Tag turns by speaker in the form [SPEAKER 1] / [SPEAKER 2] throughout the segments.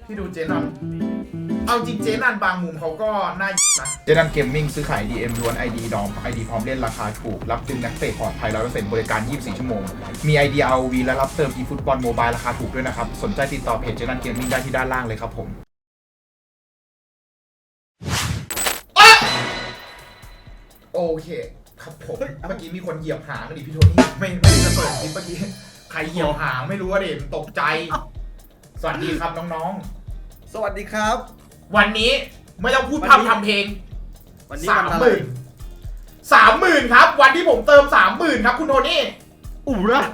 [SPEAKER 1] พี่ดูเจนันเอาจริงเจนันบางมุมเขาก็น่านะเจนันเกมมิ่งซื้อขาย DM ล้วน ID ดอม ID พร้อมเล่นราคาถูกรับดึงนักเตะปลอดภัย 100% บริการ 24 ชั่วโมงมี ID ROV และรับเติม eFootball Mobile ราคาถูกด้วยนะครับสนใจติดต่อเพจเจนันเกมมิ่งได้ที่ด้านล่างเลยครับผมโอเคครับผมเมื่อกี้มีคนเหยียบหางดิพี่โทนี่ไม่ได้จะเปิดคลิปเมื่อกี้ใครเหยียบหางไม่รู้ว่าเด็กตกใจสวัสดีครับน้อง
[SPEAKER 2] ๆสวัสดีครับ
[SPEAKER 1] วันนี้ไม่ต้องพูดทำเพลง
[SPEAKER 2] วันนี้
[SPEAKER 1] 30,000ครับวันที่ผมเติม30,000ครับคุณโทนี่
[SPEAKER 2] อุบระ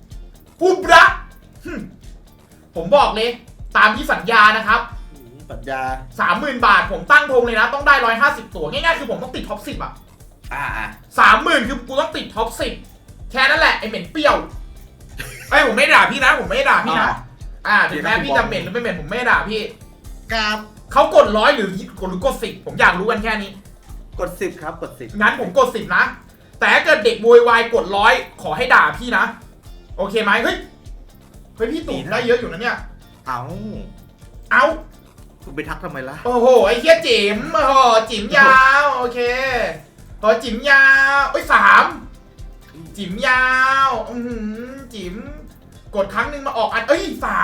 [SPEAKER 1] ผมบอกเลยตามที่สัญญานะครับ
[SPEAKER 2] สัญญา
[SPEAKER 1] 30,000 บาทผมตั้งธงเลยนะต้องได้150ตัวง่ายๆคือผมต้องติดท็อป 10 อ่ะ30,000คือกูต้องติดท็อป 10แค่นั้นแหละไอเหม็นเปรี้ยวไอผมไม่ด่าพี่นะผมไม่ด่าพี่นะถึงแม้พี่จะเหม็นหรือไม่เหม็นผมไม่ด่าพี่
[SPEAKER 2] ครับ
[SPEAKER 1] เขากด100หรือกด10ผมอยากรู้กันแค่นี้
[SPEAKER 2] กด10ครับกด10
[SPEAKER 1] งั้นผมกด10นะแต่ถ้าเกิดเด็กโวยวายกด100ขอให้ด่าพี่นะโอเคไหมเฮ้ยพี่ตู่ได้เยอะอยู่นะเนี่ยเอา
[SPEAKER 2] คุณไปทักทำไมล่ะ
[SPEAKER 1] โอ้โหไอ้เหี้ยจิ๋มโอ้โหจิ๋มยาวโอเคพอจิ๋มยาว3จิ๋มยาวจิ๋มกดครั้งหนึ่งมาออกอัน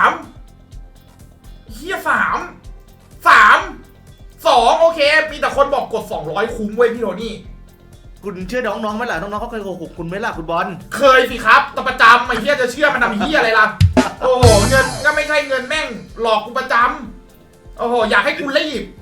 [SPEAKER 1] 3เหี้ย2โอเคมีแต่คนบอกกด200คุ้มเว้ยพี่โทนี่
[SPEAKER 2] คุณเชื่อน้องๆไหมล่ะน้องๆเขาเคยโกหกคุณไหมล่ะคุณบอล
[SPEAKER 1] เคยสิครับแต่ประจำไอ้เหี้ยจะเชื่อมันทำเหี้ยอะไรล่ะโอ้โหเงินก็ไม่ใช่เงินแม่งหลอกกูประจำโอ้โหอยากให้กูรีบ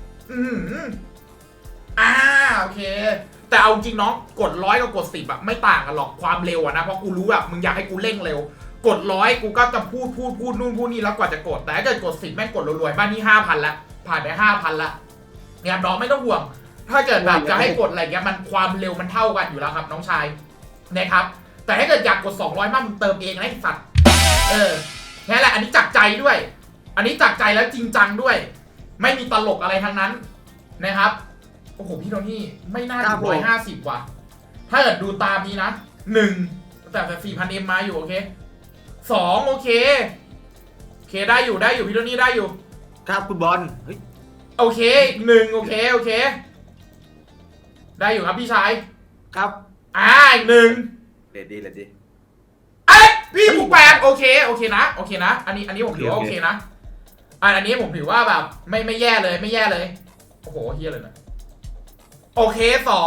[SPEAKER 1] โอเคแต่เอาจริงน้องกด100กับกด10อะไม่ต่างกันหรอกความเร็วอะนะเพราะกูรู้แบบมึงอยากให้กูเร่งเร็วกด100กูก็จะพูดนู่นพูดนี่แล้วกว่าจะกดแต่ถ้าเกิดกด10แม่งกดรวยๆบ้านนี้ 5,000 ละผ่านไป 5,000 ละเนี่ยน้องไม่ต้องห่วงถ้าเกิดแบบจะให้กดอะไรเงี้ยมันความเร็วมันเท่ากันอยู่แล้วครับน้องชายนะครับแต่ถ้าเกิดอยากกด200มากมึงเติมเองนะไอ้สัตว์นี่แหละอันนี้จักใจด้วยอันนี้จักใจแล้วจริงจังด้วยไม่มีตลกอะไรทั้งนั้นนะครับโอ้โหพี่โทนี่ไม่น่าถึง150ว่ะถ้าเกิดดูตามนี้นะ1แต่ 4,000M มาอยู่โอเค2โอเคได้อยู่พี่โทนี่ได้อยู่
[SPEAKER 2] ครับคุณบอล
[SPEAKER 1] โอเคอีก1โอเคได้อยู่ครับพี่ชาย
[SPEAKER 2] ครับ
[SPEAKER 1] อีก1
[SPEAKER 2] เลดดี้
[SPEAKER 1] พี่ผูกแปดโอเคนะอันนี้ผมถือว่าโอเคนะอันนี้ผมถือว่าแบบไม่แย่เลยโอ้โหเฮียเลยนะโอเค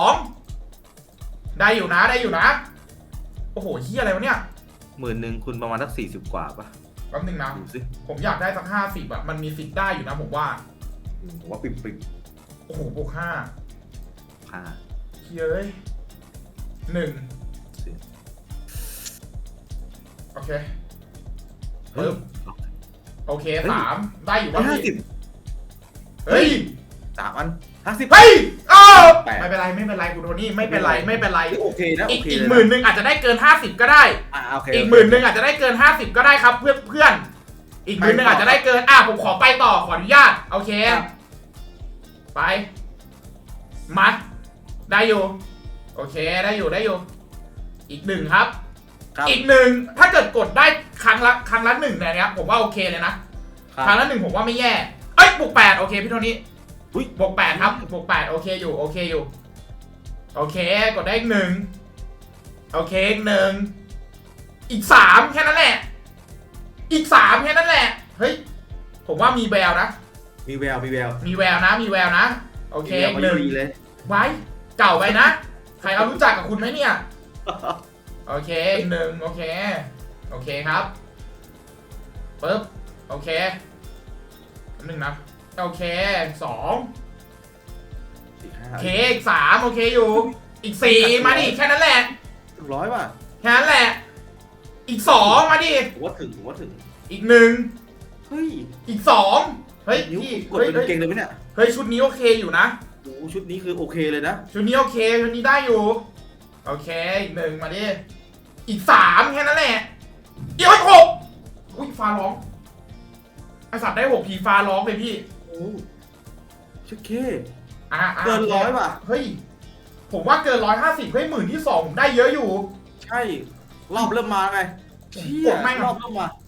[SPEAKER 1] 2ได้อยู่นะโอ้โหเฮียอะไรวะเนี่ย
[SPEAKER 2] 10,000คุณประมาณสัก40 กว่าป่ะ
[SPEAKER 1] แป๊บนึงนะผมอยากได้สัก50อะมันมีสิทธิ์ได้อยู่นะผมว่า
[SPEAKER 2] ปิ่ม
[SPEAKER 1] โอ้โหบวก5เฮ้ย1โอเคโอเค3ได้อยู่ว่า
[SPEAKER 2] เฮ้ย3อัน50
[SPEAKER 1] เฮ้ยไม่เป็นไรคุณโทนี่ไม่เป็นไร
[SPEAKER 2] โอเคนะ
[SPEAKER 1] อีก10,000อาจจะได้เกิน50ก็ได้อีก10,000อาจจะได้เกิน50ก็ได้ครับเพื่อนอีก10,000อาจจะได้เกินผมขอไปต่อขออนุญาตโอเคไปมาได้อยู่โอเคได้อยู่อีก1ครับอีก1ถ้าเกิดกดได้ครั้งละ1เนี่ยผมว่าโอเคเลยนะครั้งละ1ผมว่าไม่แย่บวก8โอเคพี่โทนี่บวก8ครับบวก8โอเคอยู่โอเคกดได้อีก1โอเคอีก3แค่นั้นแหละเฮ้ยผมว่ามีแววนะ
[SPEAKER 2] มีแวว
[SPEAKER 1] นะโอเค1
[SPEAKER 2] เลย
[SPEAKER 1] ไว้เก่าไปนะใครเขารู้จักกับคุณไหมเนี่ยโอเค1โอเคครับปึ๊บโอเค1นะโอเค2โอเคอีก3โอเคอยู่อีก4มาดิแค่นั้นแหละ
[SPEAKER 2] 100ว่ะ
[SPEAKER 1] แค่นั้นแหละอีก2มาดิ
[SPEAKER 2] ผมว่าถึง
[SPEAKER 1] อีก1
[SPEAKER 2] เฮ้ย
[SPEAKER 1] อีก2เฮ้ยพี่
[SPEAKER 2] กดเป็นเก่งเลยไหมเนี่ย
[SPEAKER 1] เฮ้ยชุดนี้โอเคอยู่นะ
[SPEAKER 2] โอ้ชุดนี้คือโอเคเลยนะ
[SPEAKER 1] ชุดนี้โอเคชุดนี้ได้อยู่โอเคอีก1มาดิอีก3แค่นั้นแหละอีก6อุ้ยฟ้าร้องไอสัตว์ได้6ทีฟ้าร้องเลยพี่
[SPEAKER 2] โอ้ชุดเค
[SPEAKER 1] เกิน100ว่ะเฮ้ยผมว่าเกิน150เฮ้ย10,000ที่2ผมได้เยอะอยู่
[SPEAKER 2] ใช่รอบเริ่มมาไง
[SPEAKER 1] กดแม่ง
[SPEAKER 2] รอบเริ่มมา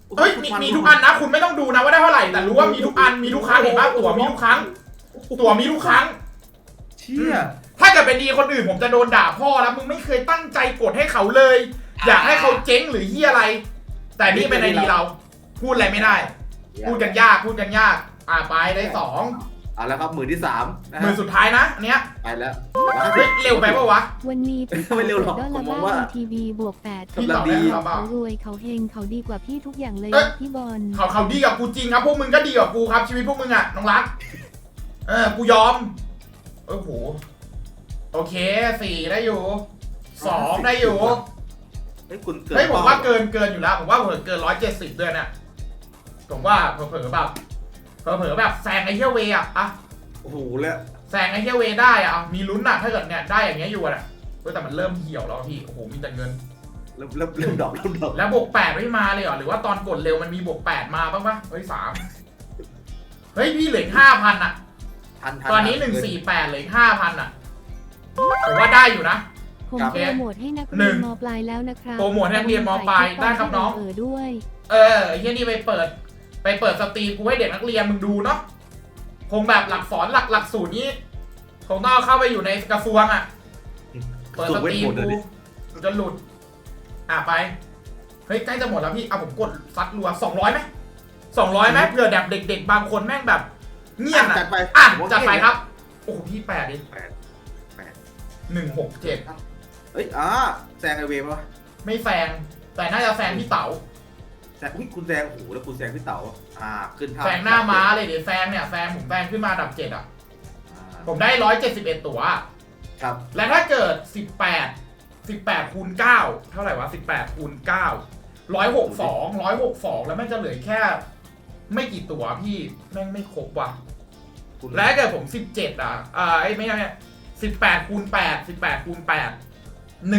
[SPEAKER 1] เฮ้ยมีทุกอันนะคุณไม่ต้องดูนะว่าได้เท่าไหร่แต่รู้ว่ามีทุกอันมีทุกครั้งเห็นป่ะตั๋วมีทุกครั้งตั๋วมีทุกครั้ง
[SPEAKER 2] เชี่ย
[SPEAKER 1] ถ้าเกิดเป็นดีคนอื่นผมจะโดนด่าพ่อแล้วมึงไม่เคยตั้งใจกดให้เขาเลย อยากให้เขาเจ๊งหรือเฮียอะไร แต่นี่เป็นไอดีเรา พูดอะไรไม่ได้ พูดกันยากไปได้2
[SPEAKER 2] เอาแล้วครับมือที่3นะ
[SPEAKER 1] มือสุดท้ายนะอันเนี้ย
[SPEAKER 2] ไปแล้ว
[SPEAKER 1] เฮ้ยเร็วไปปะวะ
[SPEAKER 3] วันนี้พี่
[SPEAKER 2] ไม่เร็วหรอก
[SPEAKER 3] ดอล
[SPEAKER 2] ผมม
[SPEAKER 3] ลา
[SPEAKER 2] องว่า
[SPEAKER 3] ร์ทีวีบวก8
[SPEAKER 1] พี่ตอบได้หรือเปล่า
[SPEAKER 3] เขารวยเขาเฮงเขาดีกว่าพี่ทุกอย่างเลย
[SPEAKER 1] เอ๊ะ
[SPEAKER 3] พี่บอล
[SPEAKER 1] เขาดีกับกูจริงครับพวกมึงก็ดีกับกูครับชีวิตพวกมึงอ่ะน้องรักกูยอมโอ้โหโอเค4ได้อยู่2ได้อยู่
[SPEAKER 2] เฮ้ยคุณเกิน
[SPEAKER 1] เฮ้ยผมว่าเกินอยู่แล้วผมว่าเกิน170ด้วยเนี่ยผมว่าเผลอๆแบบแซงไอ้เฮียเวอะ
[SPEAKER 2] โอ้โหแล้ว
[SPEAKER 1] แซงไอ้เฮียเวได้อะมีลุ้นอะถ้าเกิดเนี่ยได้อย่างเงี้ยอยู่อะแต่มันเริ่มเหี่ยวแล้วพี่โอ้โหมีแต่เงิน
[SPEAKER 2] เริ่มดอก
[SPEAKER 1] แล้วบวก8ไม่มาเลยเหรอหรือว่าตอนกดเร็วมันมีบวก8มาบ้างปะเฮ้ย3เฮ้ยพี่เหลือ5,000อะตอนนี้148เหลือ5,000อะผมว่าได้อยู่นะ
[SPEAKER 3] ผมโปรโมทให้นักเรียนมปลายแล้วนะครับ
[SPEAKER 1] โปรโมทให้นักเรียนมปลายได้ครับน้อง
[SPEAKER 3] ด้วย
[SPEAKER 1] ไอ้เฮียนี่ไปเปิดสตรีมกูให้เด็กนักเรียนมึงดูเนาะคงแบบหลักสอนหลักสูตรนี้คงต้องเอาเข้าไปอยู่ในกระทรวงอะเปิดสตรีมกูจะหลุดไปเฮ้ยใกล้จะหมดแล้วพี่เอาผมกดซัดรัว200ไหม200ไหมเผื่อแบบเด็กๆบางคนแม่งแบบเงียบอะ
[SPEAKER 2] จัดไป
[SPEAKER 1] จัดไปครับโอ้โหพี่8ดิ
[SPEAKER 2] 8
[SPEAKER 1] 167
[SPEAKER 2] เฮ้ยแซงไอเวฟวะ
[SPEAKER 1] ไม่แซงแต่น่าจะแซงพี่เต๋า
[SPEAKER 2] แซงคุณแซงโอ้โหแล้วคุณแซงพี่เต๋าขึ้น
[SPEAKER 1] แซงหน้าม้าเลยเดี๋ยวแซงผมแซงขึ้นมาอันดับ7อ่ะผมได้171ตั๋ว
[SPEAKER 2] ครับ
[SPEAKER 1] และถ้าเกิด18คูณ9เท่าไหร่วะ18คูณ9 162แล้วแม่งจะเหลือแค่ ไม่กี่ตั๋วพี่แม่งไม่ครบว่ะและถ้าเกิดผม17ไม่ใช่18คูณ8 18คูณ8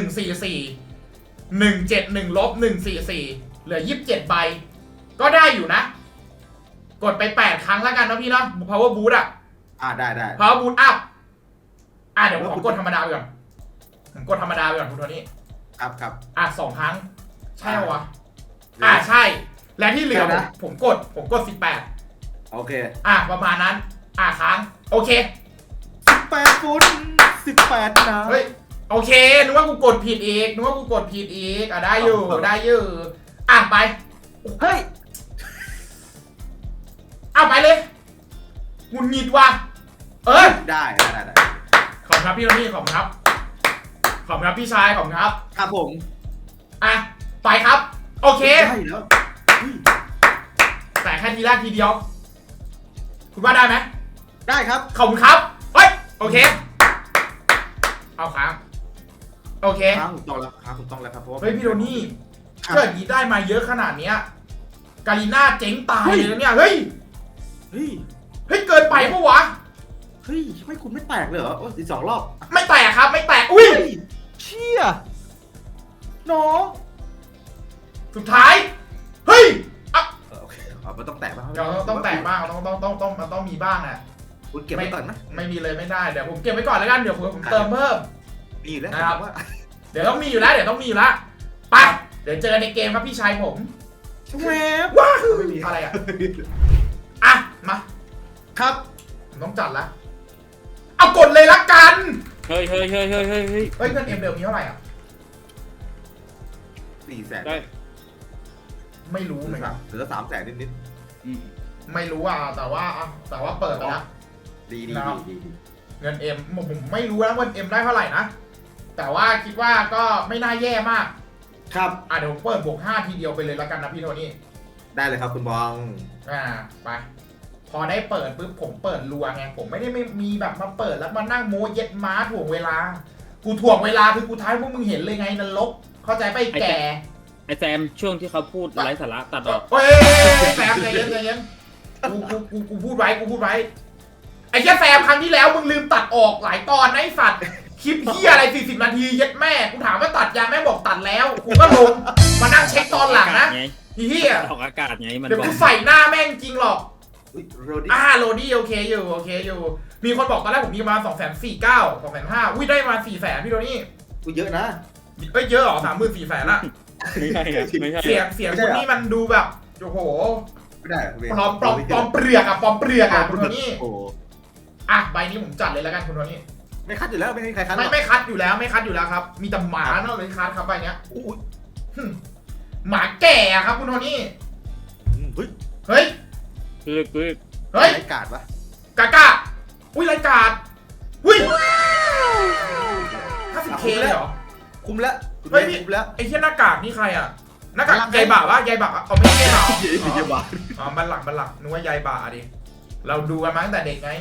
[SPEAKER 1] 144 171ลบ144เหลือ27ใบก็ได้อยู่นะกดไป8ครั้งแล้วกันนะพี่เนาะ power boost
[SPEAKER 2] ได้
[SPEAKER 1] power boost up เดี๋ยวผมกดธรรมดาไปก่อนคุณโทนี่
[SPEAKER 2] ครับ
[SPEAKER 1] 2 ครั้งใช่ปะวะใช่ และที่เหลือผมกด18
[SPEAKER 2] โอเค
[SPEAKER 1] ประมาณนั้นค้างโอเค
[SPEAKER 2] 18ฟุต18นะ
[SPEAKER 1] เฮ้ยโอเคนึกว่ากูกดผิดอีกได้อยู่ไป
[SPEAKER 2] เฮ้ย
[SPEAKER 1] ไปเลยหงุดหงิดว่ะ
[SPEAKER 2] ได้
[SPEAKER 1] ขอบคุณครับพี่โรนี่ขอบคุณครับพี่ชายขอบคุณครับ
[SPEAKER 2] ครับผม
[SPEAKER 1] ไปครับโอเค
[SPEAKER 2] ได้แล้ว
[SPEAKER 1] แต่แค่ทีแรกทีเดียวคุณว่าได้ไหม
[SPEAKER 2] ได้ครับ
[SPEAKER 1] ขอบคุณครับเฮ้ยโอเคเอาค้างโอเค
[SPEAKER 2] ค้างถูกต้องแล้วครับเพราะว่า
[SPEAKER 1] เฮ้ยพี่โรนี่เกิดนี้ได้มาเยอะขนาดเนี้ยกาลิน่าเจ๊งตายเลยนะเนี่ยเฮ้ยเกินไปปะวะ
[SPEAKER 2] เฮ้ยไม่คุณไม่แตกเลยเหรออีก2 รอบ
[SPEAKER 1] ไม่แตกครับไม่แตกอุ้ย
[SPEAKER 2] เชี่ยน้อง
[SPEAKER 1] สุดท้ายเฮ้ย
[SPEAKER 2] โอเคมันต้องแตกบ้าง
[SPEAKER 1] เราต้องแตกบ้างมันต้องมีบ้างอ่ะ
[SPEAKER 2] คุณเก็บไว้ก่อนไหม
[SPEAKER 1] ไม่มีเลยไม่ได้เดี๋ยวผมเก็บไว้ก่อนแล้วกันเดี๋ยวผมเติมเพิ่ม
[SPEAKER 2] มีแล้ว
[SPEAKER 1] นะครับ
[SPEAKER 2] ว่า
[SPEAKER 1] เดี๋ยวต้องมีอยู่แล้วไปเดี๋ยวเจอในเกมครับพี่ชายผม
[SPEAKER 2] แวบ
[SPEAKER 1] ว้าว
[SPEAKER 2] ไม่มี
[SPEAKER 1] อะไรมา
[SPEAKER 2] ครับ
[SPEAKER 1] ผมต้องจัดละเอากดเลยละกัน
[SPEAKER 4] เฮ้ย
[SPEAKER 1] เงินเอ็มเดิมมีเท่าไหร่อ่ะ
[SPEAKER 2] 400,000
[SPEAKER 4] ได้
[SPEAKER 1] ไม่รู้เหมือนกัน
[SPEAKER 2] เหลือ300,000นิด
[SPEAKER 1] ไม่รู้แต่ว่าเปิดไปแล้ว
[SPEAKER 2] ดี
[SPEAKER 1] เงินเอ็มผมไม่รู้นะว่าเอ็มได้เท่าไหร่นะแต่ว่าคิดว่าก็ไม่น่าแย่มาก
[SPEAKER 2] ครับ
[SPEAKER 1] เดี๋ยวผมเปิดบวก5ทีเดียวไปเลยละกันนะพี่โทนี่
[SPEAKER 2] ได้เลยครับคุณบอง
[SPEAKER 1] ไปพอได้เปิดปุ๊บผมเปิดรัวไงผมไม่ได้ไม่มีแบบมาเปิดแล้วมานั่งโมเย็ดม้าถ่วงเวลากูถ่วงเวลาคือกูท้ายพวกมึงเห็นเลยไงนรกเข้าใจไปแก่
[SPEAKER 4] ไอแซมช่วงที่เขาพูดไร้สาระตัดออก
[SPEAKER 1] เฮ้ยแซมใจเย็นกูพูดไว้ไอ้แค่แซมครั้งที่แล้วมึงลืมตัดออกหลายตอนนะไอ้สัตว์คลิปเหี้ยอะไร40 นาทีเย็ดแม่กูถามว่าตัดยังแม่บอกตัดแล้วกูก็ลงมานั่งเช็คตอนหลังนะเหี้ย
[SPEAKER 4] ออกอากาศไงมัน
[SPEAKER 1] เดี๋ยว
[SPEAKER 4] บอก
[SPEAKER 1] กูใส่หน้าแม่งจริงหรอก
[SPEAKER 2] โรดี้
[SPEAKER 1] โรดี้โอเคอยู่มีคนบอกตอนแรกผมมีมา249 250อุ้ยได้มา400,000พี่โรนี่
[SPEAKER 2] กูเยอะนะ
[SPEAKER 1] เยอะเหรอ34,000ละ
[SPEAKER 4] ไม่ใช่ครับไม่ใช่
[SPEAKER 1] เสียงคุณนี่มันดูแบบโอ้โห
[SPEAKER 2] ไม่ได้คุณเว
[SPEAKER 1] ปลอมเปลือกอะปลอมเปลือกอะคุณโทนี่
[SPEAKER 2] โอ้
[SPEAKER 1] อ่ะใบนี้ผมจัดเลยแล้วกันคุณโทนี่
[SPEAKER 2] ไม่คัดอยู่แล้วไม่มีใครคัดหรอก
[SPEAKER 1] ไม่คัดอยู่แล้วไม่คัดอยู่แล้วครับ มีแต่หมาเนาะเลยคัดครับใบเนี้ย
[SPEAKER 2] อุ้ย
[SPEAKER 1] หมาแก่อะครับคุณโทนี่
[SPEAKER 2] เฮ้ย
[SPEAKER 1] เฮ้ย
[SPEAKER 4] คือ
[SPEAKER 1] เฮ้ย
[SPEAKER 2] ไร้กาดปะ
[SPEAKER 1] กากาอุ้ยรายการอุ้ย 50K เลยเหรอ
[SPEAKER 2] คุ้มแล้วคุณ
[SPEAKER 1] เฮ้
[SPEAKER 2] เวย
[SPEAKER 1] พี่
[SPEAKER 2] คุ้มแล้ว
[SPEAKER 1] ไอ้เหี้ยหน้ากากนี่ใครอะหน้ากากยายบ่าวะยายบ่าวเอาไม่ใช่ยายบ่าว
[SPEAKER 2] เยี่ยมว่ะ
[SPEAKER 1] อ๋อบัลลังก์นึกว่ายายบ่าวดิเราดูกันมาตั้งแต่เด็กไง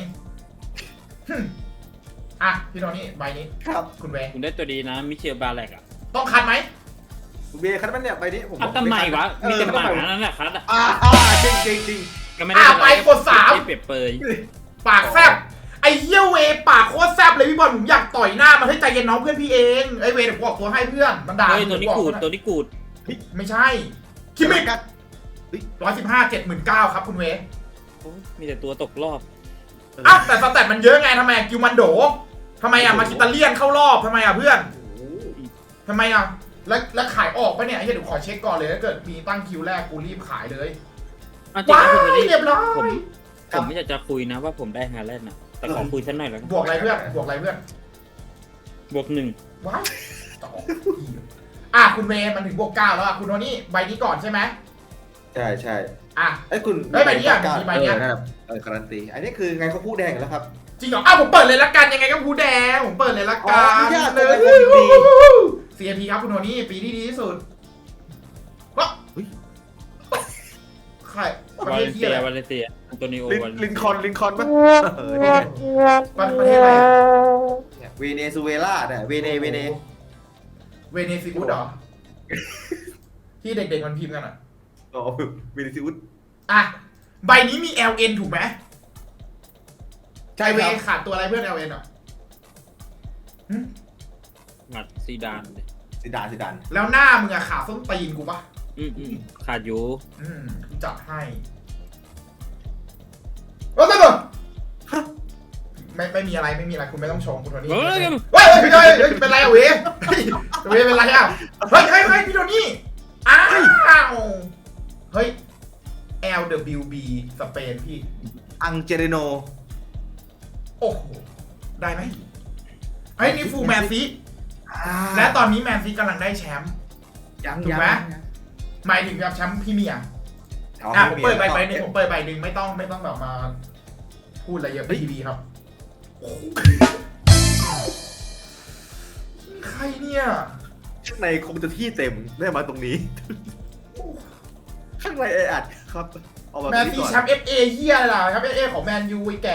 [SPEAKER 1] อ่ะพี่โทนี่ใบนี้
[SPEAKER 2] ครับ
[SPEAKER 1] คุณเวย์
[SPEAKER 4] คุณได้ตัวดีนะมิเชลบาแลกอ่ะ
[SPEAKER 1] ต้องคัดไหม
[SPEAKER 2] คุณเวคัดมันเนี่ยใบนี้ผม
[SPEAKER 4] คัดทำไมวะมีแต่หมานั่นแหละคัดอ่ะ
[SPEAKER 2] จริงจริงจริง
[SPEAKER 4] ก็ไม่ได้
[SPEAKER 1] ไปกด3
[SPEAKER 4] ไม่เปรียบเปย
[SPEAKER 1] ปากแซบไอ้เหี้ยเวปากโคตรแซบเลยพี่บอลผมอยากต่อยหน้ามันให้ใจเย็นน้องเพื่อนพี่เองไอ้เวเดี๋ยวกูออกตัวให้เพื่อนมันด่า
[SPEAKER 4] เฮ้ยตัวนี้กูดตัวนี้กูด
[SPEAKER 1] ไม่ใช่คิมิก
[SPEAKER 2] กัด
[SPEAKER 1] 115 79ครับคุณเว
[SPEAKER 4] โอ้ยมีแต่ตัวตกรอบ
[SPEAKER 1] อ่ะแต่สแตทมันเยอะไงทำไมกิวมันโดทำไมอ่ะมาคิตาเลียนเข้ารอบทำไมอ่ะเพื่อนทำไมอ่ะแล้วขายออกปะเนี่ยไอ้เหี้ยเดี๋ยวขอเช็คก่อนเลยถ้าเกิดมีตั้งคิวแรกกูรีบขายเลย
[SPEAKER 4] จริง
[SPEAKER 1] ว้า
[SPEAKER 4] นะคุณ
[SPEAKER 1] ยเรียบร้อย
[SPEAKER 4] ผมไม่อยากจะคุยนะว่าผมได้ฮาแลนด์นะแต่ขอคุยสักหน่อยแล้วกัน
[SPEAKER 1] บวกอะไรเพื่อนบวกอะไรเพื่อน
[SPEAKER 4] บวก 1
[SPEAKER 1] ว้ายต่ออ่ะคุณเวมันถึงบวก9แล้วอ่ะคุณโทนี่ใบนี้ก่อนใช่ไหม
[SPEAKER 2] ใช่ใช่
[SPEAKER 1] อ่ะ
[SPEAKER 2] ไอ้คุณ
[SPEAKER 1] เฮ้ยใบนี้อ่ะมีใบเนี้ย
[SPEAKER 2] นั่นแหละการันตีอันนี้คือไงเขาพูดแดงแล้วครับ
[SPEAKER 1] จริงเหรออ้าวผมเปิดเลยละกันยังไงก็ผู้แดงผมเปิดเลยละกั
[SPEAKER 2] อ๋อน ญาติ
[SPEAKER 1] เล
[SPEAKER 2] เป็น
[SPEAKER 1] ย
[SPEAKER 2] คนดี
[SPEAKER 1] CMP ครับคุณโทนี่ปีที่ดีที่สุดว้าใครประ
[SPEAKER 4] วา
[SPEAKER 1] เท
[SPEAKER 4] เล
[SPEAKER 1] ศ
[SPEAKER 4] น
[SPEAKER 1] ที่
[SPEAKER 4] เซีย
[SPEAKER 1] อะไร
[SPEAKER 4] วาเลนเซียอันโตนิโอวาเลน
[SPEAKER 2] ลินคอนปะ
[SPEAKER 1] ประเทศอะไรอ่ะ
[SPEAKER 2] เวเนซุเอลาเนี่ยเวเน
[SPEAKER 1] เวเนซิอุสเหรอที่เด็กๆมันพิมพ์กันอ่ะ
[SPEAKER 2] อ๋อเวเนซุเอล
[SPEAKER 1] อ่ะใบนี้มี LN ถูกไหม
[SPEAKER 2] ใช่
[SPEAKER 1] ไอเว
[SPEAKER 2] ครับ
[SPEAKER 1] ขาดตัวอะไรเพื่อน LN อ่ะหึ
[SPEAKER 4] หมัดซีดาน
[SPEAKER 2] ซิดาน
[SPEAKER 1] แล้วหน้ามึงอะขาดส้นตีนกูปะ
[SPEAKER 4] ขาดอยู่
[SPEAKER 1] กูจัดให้โอ้ยเไม่มีอะไรคุณไม่ต้องชมคุณโทนี่
[SPEAKER 4] เฮ้ย
[SPEAKER 1] เฮ้ยพี่โทนี่เฮ้ยเป็นไรอะเวเวเป็นไรอะเฮ้ยพี่โทนี่อ้าวเฮ้ย LWB สเปนพี่
[SPEAKER 2] อังเจเรโน
[SPEAKER 1] โอ้โหได้ไหมเฮ้ยนี่ฟูลแมนซีและตอนนี้แมนซีกำลังได้แชมป์ถูกไหมหมายถึงแบบแชมป์พรีเมียร์ผมเปิดใบหนึ่งผมเปิดใบหนึ่งไม่ต้องแบบมาพูดอะไรเยอะพีบีครับใครเนี่ย
[SPEAKER 2] ข้างในคงจะที่เต็มได้มาตรงนี้ ข้างในแออัดครับเอาแบบ
[SPEAKER 1] แมน
[SPEAKER 2] นี้
[SPEAKER 1] ซี
[SPEAKER 2] ก่อน
[SPEAKER 1] แชมป์FA เฮียอะไรล่ะแชมป์ FA ของแมนยูไอ้แก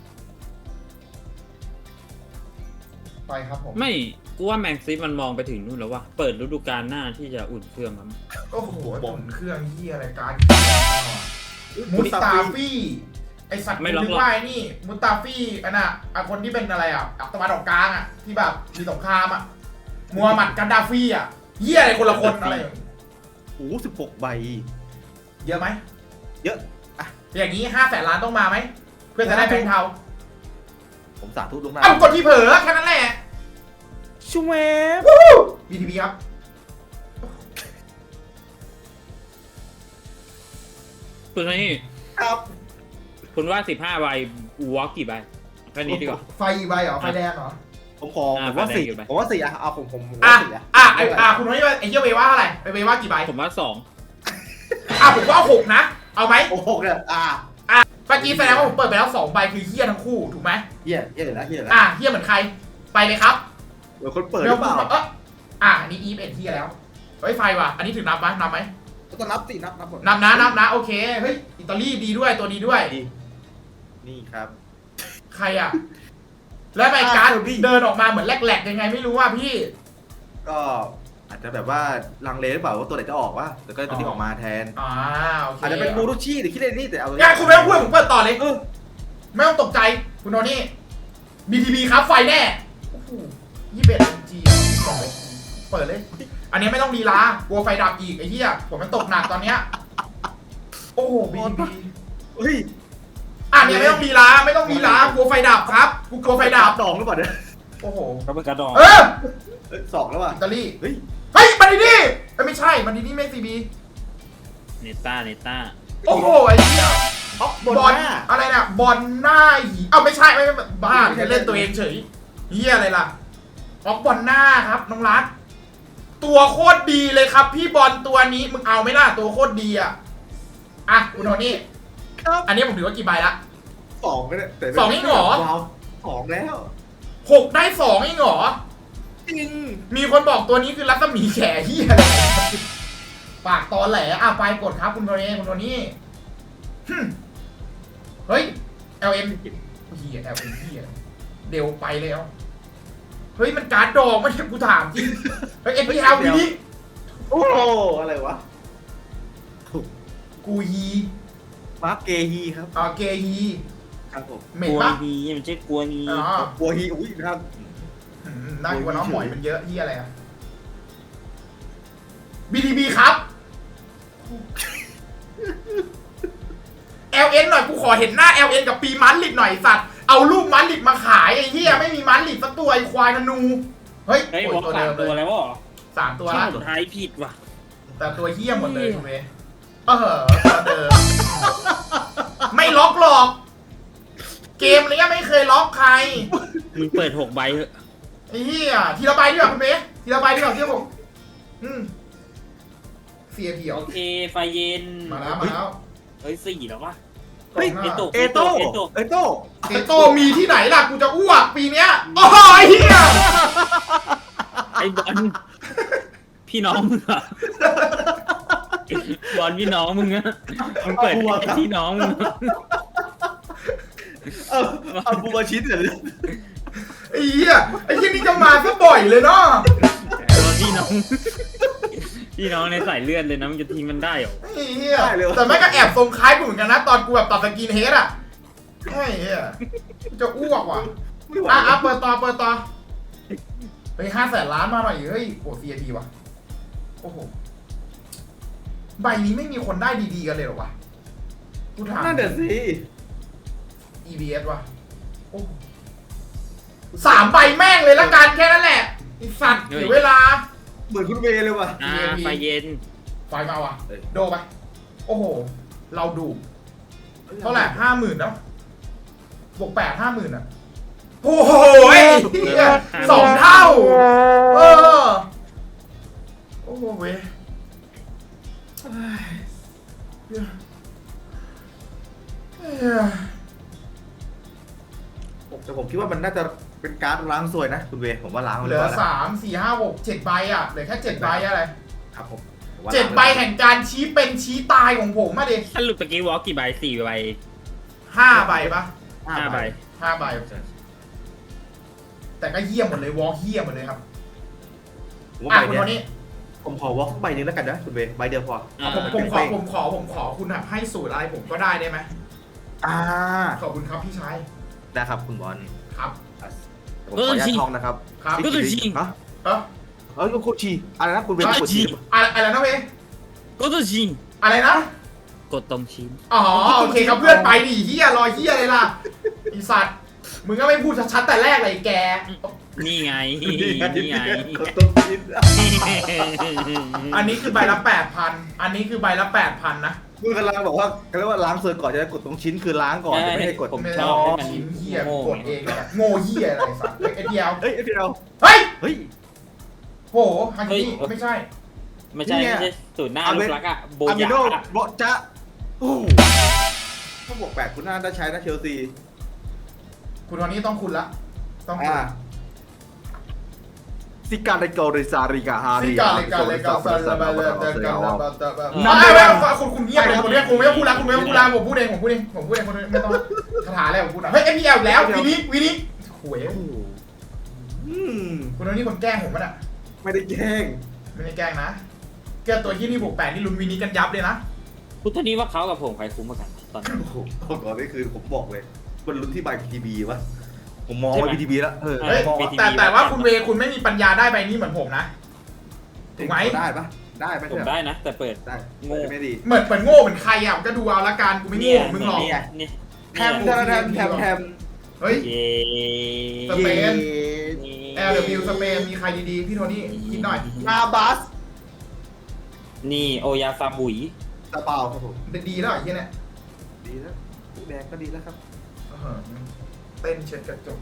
[SPEAKER 1] ไปครับผม
[SPEAKER 4] ไม่กูว่าแมงซีมันมองไปถึงนู่นแล้วว่ะเปิดฤดูกาลหน้าที่จะอุ่นเครื่องมั้ง
[SPEAKER 1] โอ้โหบ่นเครื่องเฮียอะไรการมุสตาฟี่ไอสัตว์นึกว่าไอ้นี่มุสตาฟี่อันน่ะคนที่เป็นอะไรอ่ะตะวันออกกลางอ่ะที่แบบมีสงครามอ่ะมูฮัมหมัดกันดาฟี่อ่ะเฮียอะไรคนละคนอะไร
[SPEAKER 2] โอ้โห16 ใบ
[SPEAKER 1] เยอะไหม
[SPEAKER 2] เยอะ
[SPEAKER 1] อย่างนี้500,000 ล้านต้องมาไหมเพื่อจะได้แบงค์เทา
[SPEAKER 2] ผมสาธุลวงหน้า
[SPEAKER 1] เอ้ากดที่เผลอแค่นั้นแหละ
[SPEAKER 2] ชูเวฟ
[SPEAKER 1] BTB ครับ
[SPEAKER 4] คุณนี่
[SPEAKER 2] ครับ
[SPEAKER 4] คุณว่า15 ใบวอลกี่ใบแค่นี้ดีกว่า
[SPEAKER 1] ไฟใบเหรอไฟแดงเหรอ
[SPEAKER 2] ผมขอผมว่า
[SPEAKER 4] แดง
[SPEAKER 2] สี่
[SPEAKER 4] อยู่ไหม
[SPEAKER 2] ผมว่าสี่อะเอาผม
[SPEAKER 1] อ่ะ
[SPEAKER 2] ว่าสี่อะ
[SPEAKER 1] คุณน้อยไอ้เหี้ยเวว่าอะไรเวว่ากี่ใบ
[SPEAKER 4] ผมว่า
[SPEAKER 1] ผมว่า6นะเอาไหม
[SPEAKER 2] โอ้โหเนี่ย
[SPEAKER 1] เมื่อกี้แสดงว่าผมเปิดไปแล้ว2ใบคือเฮี้ยทั้งคู่ถูกไหม
[SPEAKER 2] เฮียเลยนะเฮียเลย
[SPEAKER 1] เฮี้ยเหมือนใครไปเลยครับ
[SPEAKER 2] เดี๋ยวคนเปิดหรือเปล่า
[SPEAKER 1] อันนี้อีฟเอ็นเฮี้ยแล้วเฮ้ยไฟว่ะอันนี้ถึงนับไหม
[SPEAKER 2] ก็นับสินับหมด
[SPEAKER 1] นับนะโอเคเฮ้ยอิตาลีดีด้วยตัวดีด้วย
[SPEAKER 2] นี่ครับ
[SPEAKER 1] ใครอ่ะแล้วไมการเดินออกมาเหมือนแหลกๆยังไงไม่รู้ว่าพี่
[SPEAKER 2] ก็อาจจะแบบว่าลังเลหรือเปล่าว่าตัวไหนจะออกวะแต่ก็ตัวนี้ออกมาแทน
[SPEAKER 1] โอเค
[SPEAKER 2] อาจจะเป็นบูรุชี่หรือคิดอะไรนี่แต่เอา
[SPEAKER 1] คุณไม่ต้องพูดผมเปิดต่อเลยไม่ต้องตกใจคุณโนนี่ BTB ครับไฟแน่21 G เปิดเลย อันนี้ไม่ต้องลีลากลัวไฟดับอีกไอ้เหี้ยผมมันตกหนักตอนเนี้ยโอ้โห BTB
[SPEAKER 2] เฮ้ย
[SPEAKER 1] เนี่ยไม่ต้องลีลากลัวไฟดับครับกูกลัวไฟดับ
[SPEAKER 2] ดองหรือเปล่าเนี่ย
[SPEAKER 1] โอ้โห
[SPEAKER 4] 2 ก็เป็นกระดอง
[SPEAKER 2] สองแล้วว่ะ
[SPEAKER 1] อิตาลี
[SPEAKER 2] เฮ้ย
[SPEAKER 1] มันดีนี่ไม่ใช่มันดีนี่ไม่ CB
[SPEAKER 4] เนต้า
[SPEAKER 1] โอ้โหไอ้เหี้ย
[SPEAKER 2] อ๊อกบน
[SPEAKER 1] บอล
[SPEAKER 2] หน้า
[SPEAKER 1] อะไรน่ะบอลหน้าหีเอ้าไม่ใช่ไม่บ้าจะเล่นตัวเองเฉยเหี้ยอะไรล่ะออกบอลหน้าครับน้องรักตัวโคตรดีเลยครับ พี่บอลตัวนี้มึงเอาไหมล่ะตัวโคตรดีอ่ะคุณโทนี่
[SPEAKER 2] ครับ
[SPEAKER 1] อันนี้ผมถือว่ากี่ใบละ
[SPEAKER 2] 2ก็ได้แต่
[SPEAKER 1] สองนี่เหรอ
[SPEAKER 2] ว้าว2แล้ว
[SPEAKER 1] 6 ได้ 2เองเหรอ
[SPEAKER 2] จริง
[SPEAKER 1] มีคนบอกตัวนี้คือรัศมีแขเหี้ยอะไรปากตอแหลไปกดครับคุณโทนี่คุณโทนี่หึ่มเฮ้ย LM เหี้ย LM เหี้ยเดี๋ยวไปแล้วเฮ้ยมันการ์ดดอกไม่ใช่กูถามจริงเฮ้ย NPL วีนี้
[SPEAKER 2] โอ้อะไรวะถูก
[SPEAKER 1] กูฮี
[SPEAKER 2] มาร์คเกฮีครับ
[SPEAKER 1] เกฮี
[SPEAKER 2] ครับผม
[SPEAKER 1] เหม็
[SPEAKER 4] ก
[SPEAKER 1] น
[SPEAKER 4] ลัว
[SPEAKER 1] ปะ
[SPEAKER 4] ฮีมันใช่กลัวฮี
[SPEAKER 1] อ๋อ
[SPEAKER 2] กัวฮีอุ้ยนะครับ
[SPEAKER 1] น่ากลัวน้องหมอยมันเยอะเฮียอะไรอะ BTB ครับ LN หน่อยกูขอเห็นหน้า LN กับปีมันลิดหน่อยสัตว์เอารูปมันลิดมาขายไอ้เฮียไม่มีมันลิดสักตัวไอ้ควายธนูเฮ้ย
[SPEAKER 4] เฮ้ย
[SPEAKER 1] โอ้
[SPEAKER 4] บอก
[SPEAKER 1] ตัว
[SPEAKER 4] สา
[SPEAKER 1] เดิ
[SPEAKER 4] ม
[SPEAKER 1] ม
[SPEAKER 4] ตัว
[SPEAKER 1] เลย
[SPEAKER 4] แล้วเหรอ
[SPEAKER 1] 3 ตัวละ
[SPEAKER 4] สุดท้ายผิดว่ะ
[SPEAKER 1] แต่ตัวเฮี้ยหมดเลยคุณเวตัวเดิมไม่ล็อกหรอก เกมเนี้ยไม่เคยล็อกใคร
[SPEAKER 4] มึงเปิด6 ใบเถอะ
[SPEAKER 1] ไอ้เหี้ยทีละใบดีกว่าคุณเวทีละใบดีกว่าเชื่อผมเสียเพียว
[SPEAKER 4] โอเคไฟเย็น
[SPEAKER 1] มาแล้ว
[SPEAKER 4] เฮ้ย4แล้ววะ
[SPEAKER 2] เฮ้ย
[SPEAKER 1] กล่องหน้า
[SPEAKER 2] เอโต้เอโต้
[SPEAKER 1] เอโต้มีที่ไหนล่ะกูจะอ้วกปีเนี้ยโอ้ยเฮีย
[SPEAKER 4] ไอ้บอลพี่น้องมึงเหร บอลพี่น้องมึงอะมึงเปิดพี่น้องมึง
[SPEAKER 2] เอาบูมาชิดเลย
[SPEAKER 1] ไอ้เหี้ยนี่จะมาซะบ่อยเลยเนาะ
[SPEAKER 4] บอลพี่น้องพี่น้องในสายเลือดเลยนะมันจะทิ้งมันได้เหรอ
[SPEAKER 1] ไอ้เหี้ยแต่แม่งก็แอบทรงคล้ายกูเหมือนกันนะตอนกูแบบตัดสกินเฮดไอ้เหี้ยจะอ้วกว่ะเปิดต่อเฮ้ย500,000 ล้านมาหน่อยเฮ้ยโอ้ CAP ว่ะโอ้โหใบนี้ไม่มีคนได้ดีๆกันเลยเหรอวะกูถาม
[SPEAKER 2] นั่นเดี๋ยวสิ
[SPEAKER 1] EBS ว่ะโอ้3 ใบแม่งเลยละกันแค่นั้นแหละไอ้สัตว์เสียเวลา
[SPEAKER 2] เหมือนคุณเวเลยว่ะ
[SPEAKER 1] CAP
[SPEAKER 4] ไฟเย็น
[SPEAKER 1] ไฟมาว่ะ
[SPEAKER 2] เอ้ย
[SPEAKER 1] โดไป โอ้โห เราดู เท่าไหร่50,000แล้วบวก8 50,000อ่ะ โอ้โห2 เท่า โอ้โหเว้ยเอ้ย
[SPEAKER 2] แต่ผมคิดว่ามันน่าจะเป็นการ์ดล้างสวยนะคุณเวผมว่าล้าง
[SPEAKER 1] เห
[SPEAKER 2] เล
[SPEAKER 1] ลื
[SPEAKER 2] ย
[SPEAKER 1] อ
[SPEAKER 2] ว่า
[SPEAKER 1] 3 4 5 6 7 ใบอ่ะ เหลือแค่ 7 ใบอะไร
[SPEAKER 2] ครับผมผมว่า
[SPEAKER 1] 7 ใบแห่งการชี้เป็นชี้ตายของผมมาดิ
[SPEAKER 4] ถ้าหลุดตะกี้วอลกี่ใบ4 ใบ
[SPEAKER 1] 5 ใบปะ
[SPEAKER 4] 5 ใบ
[SPEAKER 1] 5 ใบ แต่ก็เยี่ยมหมดเลยวอลเยี่ยมหมดเลยครับ
[SPEAKER 2] ผมว่าใบ
[SPEAKER 1] คุณ
[SPEAKER 2] เนี้
[SPEAKER 1] โทนี่
[SPEAKER 2] ยผมขอวอล์กใบนึงแล้วกันนะคุณเวใบเดียวพอ
[SPEAKER 1] ผมขอคุณแบบให้สูตรอะไรผมก็ได้ไหม
[SPEAKER 2] อ่า
[SPEAKER 1] ขอบคุณครับพี่ชาย
[SPEAKER 2] นะครับคุณบอล
[SPEAKER 1] ครับ
[SPEAKER 2] ผมขออนุญาตทองนะครับ
[SPEAKER 1] ครับ
[SPEAKER 2] ฮะ
[SPEAKER 1] เออ
[SPEAKER 2] โคชีอะไรนะคุณเว
[SPEAKER 4] โคชิ
[SPEAKER 1] อะไรนะเว้ย
[SPEAKER 4] ก็ต้องชิง
[SPEAKER 1] อะไรนะ
[SPEAKER 4] กดตรงชิ้น
[SPEAKER 1] อ๋อโอเคครับเพื่อนไปดิเฮียรอเฮียเลยล่ะไอสัตว์มึงก็ไม่พูดชัดๆแต่แรกเลยแก
[SPEAKER 4] นี่ไง
[SPEAKER 2] นี่
[SPEAKER 4] นี่ไง
[SPEAKER 2] ต้องกิน
[SPEAKER 1] อันนี้คือใบละ 8,000 อันนี้คือใบละ 8,000 นะ
[SPEAKER 2] มึงกำลังบอกว่าเขาเรียกว่าล้างส่วนก่อนจะได้กดตรงชิ้นคือล้างก่อนจะไม่ให้กด
[SPEAKER 4] ผม
[SPEAKER 1] ไม่
[SPEAKER 4] ช
[SPEAKER 1] ร
[SPEAKER 4] อบ
[SPEAKER 1] อ
[SPEAKER 4] ให้มัน
[SPEAKER 1] ชิ้นเฮีย
[SPEAKER 4] โง่
[SPEAKER 1] กดเองเลยโง่เฮียอะไรสัตว์เอ็ดเดียว
[SPEAKER 2] เฮ้ยเดี๋ยว
[SPEAKER 1] เฮ้ย
[SPEAKER 2] เฮ้ย
[SPEAKER 1] โหฮันนี่ไม่ใช่
[SPEAKER 4] ไม่ใช่
[SPEAKER 2] นี่ไง
[SPEAKER 4] ไม่ใช่สูตรหน้าลูกรักอะโบ
[SPEAKER 2] อามิ
[SPEAKER 4] ยา
[SPEAKER 2] โน
[SPEAKER 4] อะ
[SPEAKER 2] โบจะโอ้โหถ้าบวก8คุณน่าได้ใช้นะเชลซี
[SPEAKER 1] คุณวันนี้ต้องคุณละต้องคุณ
[SPEAKER 2] ซิการิโกริซาริกาฮาริ
[SPEAKER 1] ซิกาเลกาเลกาซาลาบาเลกาลาบาตาบา
[SPEAKER 2] นั่น
[SPEAKER 1] คุณเงียบเลยคุณเนี่ยคุณไม่ต้องพูดแล้วคุณไม่ต้องพูดแล้วผมพูดเองคุณไม่ต้องคาถาแล้วผมพูดนะเฮ้ย NPL แล้ววินี้หวย คุณวันนี้คนแกล้งผมป่ะเนี่ย
[SPEAKER 2] ไม่ได้แกล้ง
[SPEAKER 1] ไม่ได้แกล้งนะแกตัวที่นี่บวก8นี่ลุ้นวินี้กันยับเลยนะ
[SPEAKER 4] พุทธนี้ว่าเขากับผมใครคุ้มกว่ากันตอนนี้
[SPEAKER 2] โอ้โหก่อนนี่คือผมบอกเลยมันลุ้นที่ใบ PTB วะผมมองว่า PTB แล้ว
[SPEAKER 1] เฮ้ยแต่ว่าคุณเวคุณไม่มีปัญญาได้ใบนี้เหมือนผมนะถูกไหม
[SPEAKER 2] ได้ปะได้ไหม
[SPEAKER 4] ผมได้นะ แต่เปิด
[SPEAKER 2] ได้
[SPEAKER 4] โง่
[SPEAKER 2] ไม่ดี
[SPEAKER 1] เหมือนโง่เหมือนใครอ่ะก็ดูเอาละกันกูไม่โง่มึงหรอก
[SPEAKER 4] เนี่ย
[SPEAKER 2] แทมแทม
[SPEAKER 1] เฮ้ย
[SPEAKER 4] เย้
[SPEAKER 1] สเปน LW สเปนมีใครดีๆพี่โทนี่คิดหน่อย
[SPEAKER 2] นาบัส
[SPEAKER 4] นี่โอยาซาบุย
[SPEAKER 2] ตาเปล่าครับผม
[SPEAKER 1] ดีแล้วไอ้เหี้ยเนี่ย
[SPEAKER 2] ดีแล้วผู้แดงก็ดีแล้วครับ
[SPEAKER 1] เต้นเช็ดกระจก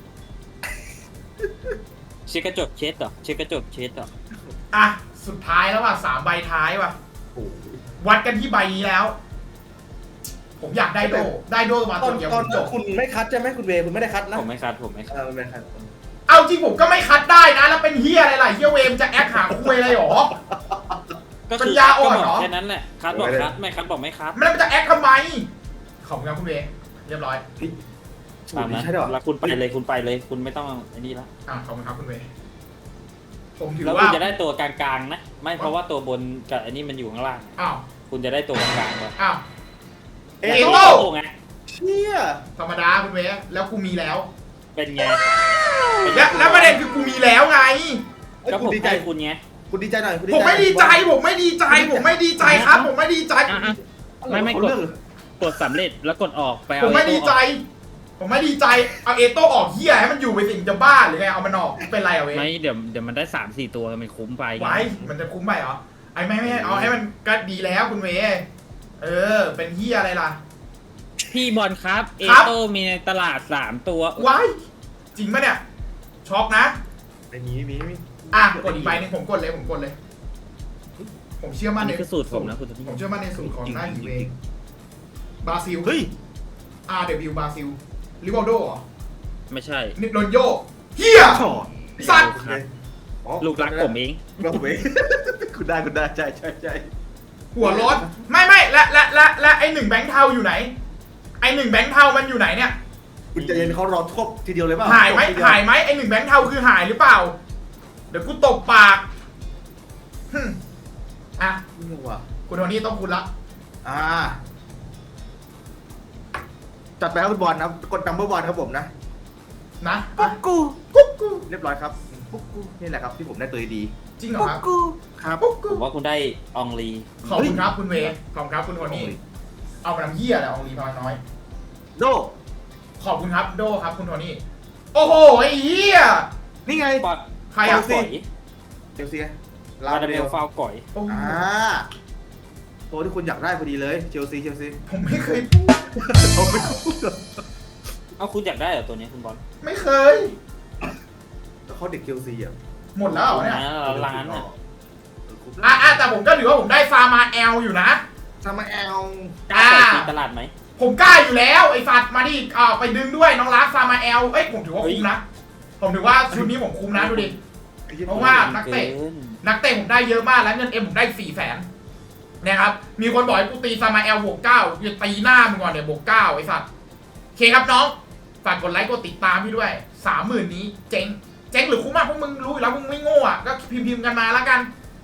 [SPEAKER 4] เช็ดกระจกเช็ดเหรอเช็ดกระจกเช็ดเหรอ
[SPEAKER 1] อ่ะสุดท้ายแล้วว่ะ3ใบท้ายว่ะ
[SPEAKER 2] โอ้ย
[SPEAKER 1] วัดกันที่ใบนี้แล้ว ผมอยากได้โดมา
[SPEAKER 2] ต
[SPEAKER 1] ตั
[SPEAKER 2] อ
[SPEAKER 1] วน เดียว
[SPEAKER 2] ต
[SPEAKER 1] ผ
[SPEAKER 2] อน
[SPEAKER 1] มจบ
[SPEAKER 2] คุณไม่คัดใช่ไหมคุณเวย์คุณไม่ได้คัดนะ
[SPEAKER 4] ผมไม่คัดผมไม่คัด
[SPEAKER 2] ไม่คัด
[SPEAKER 1] เอาจริงผมก็ไม่คัดได้นะ แล้วเป็นเฮียอะไรล่ะเฮียเวมจะแอคหาคุยอะไรหรอ
[SPEAKER 4] ก็
[SPEAKER 1] ปั
[SPEAKER 4] คื
[SPEAKER 1] ญ
[SPEAKER 4] อ
[SPEAKER 1] ญาอ่อน
[SPEAKER 4] ก็บ
[SPEAKER 1] เหรอ
[SPEAKER 4] แค่นั้นแหละคัดบอกคัดไม่คัดบอกไม่คัด
[SPEAKER 1] แล้วมันจะแอคทำไม ขอบคุณครับคุณเวเรียบร้อย
[SPEAKER 2] สูต
[SPEAKER 4] ตาร ม
[SPEAKER 2] นี้
[SPEAKER 4] นั้น
[SPEAKER 2] ใช่หรอ
[SPEAKER 4] แล้วคุณไปเลยคุณไปเลยคุณไม่ต้องไอ้นี่ละ
[SPEAKER 1] ขอบคุณครับคุณเวผมถือ
[SPEAKER 4] แล้ว
[SPEAKER 1] ว่า
[SPEAKER 4] คุณจะได้ตัวกลางๆนะไม่เพราะว่าตัวบนกับอันนี้มันอยู่ข้างล่าง
[SPEAKER 1] อ้าว
[SPEAKER 4] คุณจะได้ตัวกลางๆก่อน
[SPEAKER 1] อ้าว
[SPEAKER 2] เอ
[SPEAKER 1] เอ
[SPEAKER 2] โต้
[SPEAKER 1] โต้
[SPEAKER 4] โอ้ไง
[SPEAKER 2] เชี่ย
[SPEAKER 1] ธรรมดาคุณเวแล้วกูมีแล้ว
[SPEAKER 4] เป็นไง
[SPEAKER 1] แล้วประเด็นคือกูมีแล้วไง
[SPEAKER 4] ก็
[SPEAKER 2] คุ
[SPEAKER 4] ผ
[SPEAKER 2] ณ
[SPEAKER 4] ม
[SPEAKER 2] ดีใจ
[SPEAKER 4] ให้คุณไง
[SPEAKER 2] คุณดีใจหน่อยคุณ
[SPEAKER 1] ผมไม่ดีใจผมไม่ดีใจผมไม่ดีใจครับ ผมไม่ดีใจ
[SPEAKER 4] ไม่กดกดสำเร็จแล้วกดออกไป
[SPEAKER 1] ผ
[SPEAKER 4] เอา
[SPEAKER 1] มไม่ดีใจ ผมไม่ดีใจเอาเอโต้ออกเฮียให้มันอยู่ไปสิ่งจะบ้าหรือไงเอามันออกเป็นไรอะเว
[SPEAKER 4] ไม่เดี๋ยวมันได้3-4 ตัวมันคุ้มไปไง
[SPEAKER 1] ไว้มันจะคุ้มไปเหรอไอ้ไม่เอาให้มันก็ดีแล้วคุณเวเป็นเฮียอะไรล่ะ
[SPEAKER 4] พี่บอลครับเอ
[SPEAKER 1] ครับ
[SPEAKER 4] โต้มีในตลาด3 ตัว
[SPEAKER 1] ไว้จริงปะเนี่ยช็อกนะ
[SPEAKER 2] ไม่มี
[SPEAKER 1] อ่ะกดอีกใบหนึงผมกดเลยผมเชื่อมั่
[SPEAKER 4] อั
[SPEAKER 1] น
[SPEAKER 4] น
[SPEAKER 1] ใน
[SPEAKER 4] นี้คือสูตรผมนะคุณจะพี่
[SPEAKER 1] ผมเชื่อมั่นในสูตรของหน้าหิวเองบราซิล
[SPEAKER 2] เฮ้ย
[SPEAKER 1] RW บราซิลริวัลโดเหรอ
[SPEAKER 4] ไม่ใช่
[SPEAKER 1] นิโรนโยเฮีย
[SPEAKER 2] ช่อ
[SPEAKER 1] สัตว์
[SPEAKER 4] ลูกรักผมเอง
[SPEAKER 2] เราเวย์คุณได้ใช่
[SPEAKER 1] หัวร้อนไม่และไอ1แบงค์เทาอยู่ไหนไอ1แบงค์เทามันอยู่ไหนเนี่ย
[SPEAKER 2] คุณจะเย็นเขารอทบทีเดียวเลยเปล่า
[SPEAKER 1] หายไหมไอ1แบงค์เทาคือหายหรือเปล่า เดี๋ยวกูตบปากอ่ะ
[SPEAKER 2] นี่ว่ะ
[SPEAKER 1] คุณโทนี่ต้องคุณละ
[SPEAKER 2] จัดไปครับคุณบอลนะกดนัมเบอร์วันครับผมนะ
[SPEAKER 1] นะ
[SPEAKER 2] ปุ๊กกู
[SPEAKER 1] กุ๊กกู
[SPEAKER 2] เรียบร้อยครับปุ๊กกูนี่แหละครับที่ผมได้ตัวดี
[SPEAKER 1] จริงเหรอครับ
[SPEAKER 2] ครับ
[SPEAKER 1] กุ๊ก
[SPEAKER 4] ผ
[SPEAKER 1] กู
[SPEAKER 4] มว่าคุณได้อองลี
[SPEAKER 1] ขอบคุณครับคุณเวขอบคุณครับคุณโทนี่เอามาทำเหี้ยอะไรเอาลีพอยน้อย
[SPEAKER 2] โด
[SPEAKER 1] ขอบคุณครับโดครับคุณโทนี่โอ้โหไอ้เหี้ย
[SPEAKER 2] นี่ไง
[SPEAKER 4] ปอด
[SPEAKER 1] ใครอ่ะ
[SPEAKER 4] ก่อย
[SPEAKER 2] เชลซี
[SPEAKER 4] ลาดาเบลฟาวก่อย
[SPEAKER 1] โอ้โห
[SPEAKER 2] ตัวที่คุณอยากได้พอดีเลยเชลซี
[SPEAKER 1] ผมไม่เคยพูด
[SPEAKER 2] ผมไม่พูด
[SPEAKER 4] เอาคุณอยากได้เหรอตัวนี้คุณบอล
[SPEAKER 1] ไม่เคย
[SPEAKER 2] แล้วเขาเด็กเชลซีอ่ะ
[SPEAKER 1] หมดแล้วเหรอเนี่ย
[SPEAKER 4] ล้านอ่ะ
[SPEAKER 1] แต่ผมก็ถือว่าผมได้ฟาร์มาแอลอยู่นะ
[SPEAKER 2] ซามาแอล
[SPEAKER 4] กล้าใส่ตีตลาดไหม
[SPEAKER 1] ผมกล้าอยู่แล้วไอ้สัตว์มาดิไปดึงด้วยน้องรักฟาร์มาแอลผมถือว่าคุ้มนะ ผมถือว่าชุดนี้ผมคุ้มนะดูดิ เพราะว่า นักเตะ ผมได้เยอะมากแล้วเงินเอ็มผมได้400,000นะครับ มีคนบอกให้กูตีซามาแอลบวก9จะตีหน้ามึงก่อนเนี่ยบวก9ไอ้สัตว์โอเคครับน้อง ฝากกดไลค์กดติดตามพี่ด้วย 30,000 นี้เจ๊งหรือคุ้มมากพวกมึงรู้อยู่แล้วมึงไม่โง่อ่ะก็พิมพ์กันมาแล้วกัน